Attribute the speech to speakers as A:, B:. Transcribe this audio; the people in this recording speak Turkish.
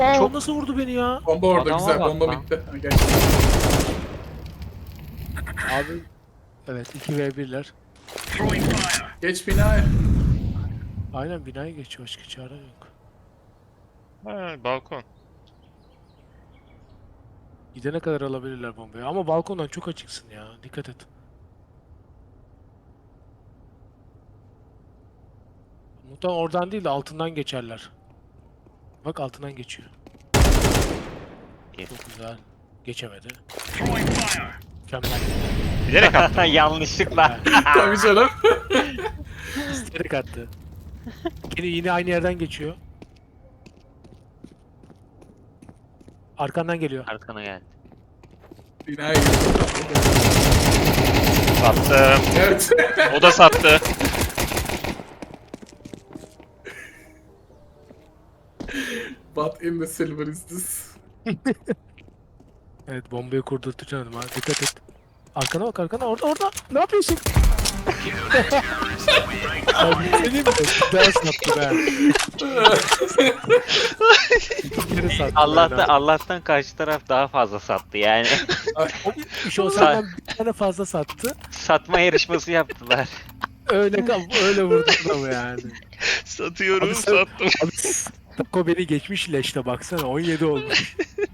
A: Çok nasıl vurdu beni ya?
B: Bomba orada
C: Adama
B: güzel.
C: bak
B: Bomba
C: lan.
B: bitti. Ha, gel.
A: Abi evet 2v1'ler.
B: Geç binaya.
A: Aynen binaya geçiyor, başka çare yok.
C: Ha, balkon.
A: Gidene kadar alabilirler bombayı ama balkondan çok açıksın ya, dikkat et. Muhtemelen oradan değil de altından geçerler. Bak altından geçiyor.
C: İyi.
A: Çok güzel. Geçemedi. Mükemmel.
C: Bilerek attım.
D: Yanlışlıkla.
B: Tabii canım.
A: İsteyerek attı. Yine aynı yerden geçiyor. Arkandan geliyor.
D: Arkana geldi.
B: Binaya gir.
C: Sattım.
B: Evet.
C: O da sattı.
B: What in the silver is this?
A: Evet, bombayı kurdurtacaksın ha, dikkat et. Arkana bak, arkana, orada. Ne yapıyorsun? Abi senin mi? Daha sattı be. İki kere sattı
D: Allah'tan karşı taraf daha fazla sattı yani.
A: İş o senden bir tane fazla sattı.
D: Satma yarışması yaptılar.
A: Öyle vurdu adamı yani.
C: Satıyorum,
A: Abi sen-
C: sattım.
A: Abi Tako beni geçmiş leşte baksana, 17 olmuş.